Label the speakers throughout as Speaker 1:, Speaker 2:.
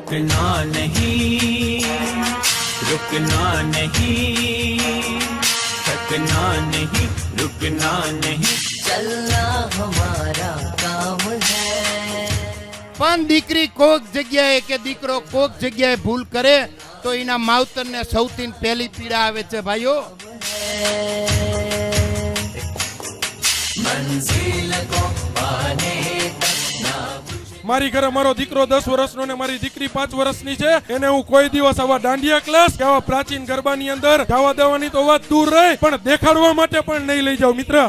Speaker 1: रुकना नहीं, रुकना नहीं, थकना नहीं, रुकना नहीं, चलना हमारा काम है।
Speaker 2: પણ દીકરી કોક જગ્યાએ કે દીકરો કોક જગ્યાએ ભૂલ કરે તો એના માવતરને સૌથી પહેલી પીડા આવે છે ભાઈઓ।
Speaker 1: મંઝિલ કો પાને
Speaker 3: મારી ઘરે મારો દીકરો 10 વર્ષનો ને મારી દીકરી 5 વર્ષની છે, એને હું કોઈ દિવસ આવા દાંડિયા ક્લાસ કે આવા પ્રાચીન ગરબાની અંદર જવા દેવાની તો વાત દૂર રહી, પણ દેખાડવા માટે પણ નહીં લઈ જાઉં મિત્ર।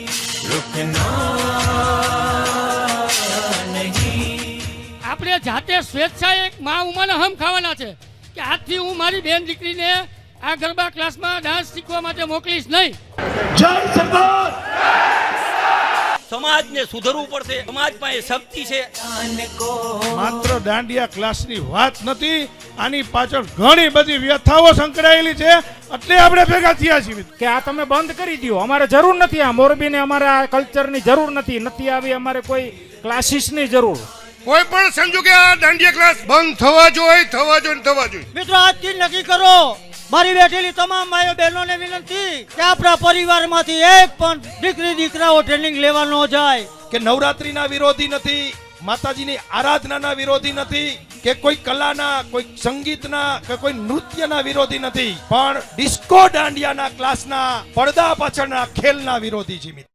Speaker 4: આપણે જાતે સ્વેચ્છાએ એક મા ઉમાના હમ ખાવાના છે કે આજથી હું મારી બેન દીકરીને આ ગરબા ક્લાસમાં ડાન્સ શીખવા માટે મોકલીશ નહીં।
Speaker 5: જય સરદાર।
Speaker 6: સમાજને સુધરવું પડશે, સમાજમાં એ શક્તિ છે।
Speaker 5: માત્ર દાંડિયા ક્લાસની વાત નથી, આની પાછળ ઘણી બધી વ્યથાઓ સંકળાયેલી છે, એટલે આપણે ભેગા થયા છીએ
Speaker 7: કે આ તમે બંધ કરી દો, અમારે જરૂર નથી, આ મોરબીને અમારે આ કલ્ચરની જરૂર નથી આવી, અમારે કોઈ ક્લાસીસની જરૂર।
Speaker 2: કોઈ પણ સંજોગે આ દાંડિયા ક્લાસ બંધ થવા જોઈએ।
Speaker 8: મિત્રો આજથી નક્કી કરો, મારી બેઠેલી તમામ ભાઈઓ બહેનોને વિનંતી કે આપણા પરિવારમાંથી એક પણ દીકરી દીકરાઓ ટ્રેનિંગ લેવા ન જાય।
Speaker 5: કે નવરાત્રીના વિરોધી નથી, માતાજીની આરાધનાના વિરોધી નથી, કે કોઈ કલાના, કોઈ સંગીતના કે કોઈ નૃત્યના વિરોધી નથી, પણ ડિસ્કો દાંડિયાના ક્લાસના પડદા પાછળના ખેલના વિરોધી છે।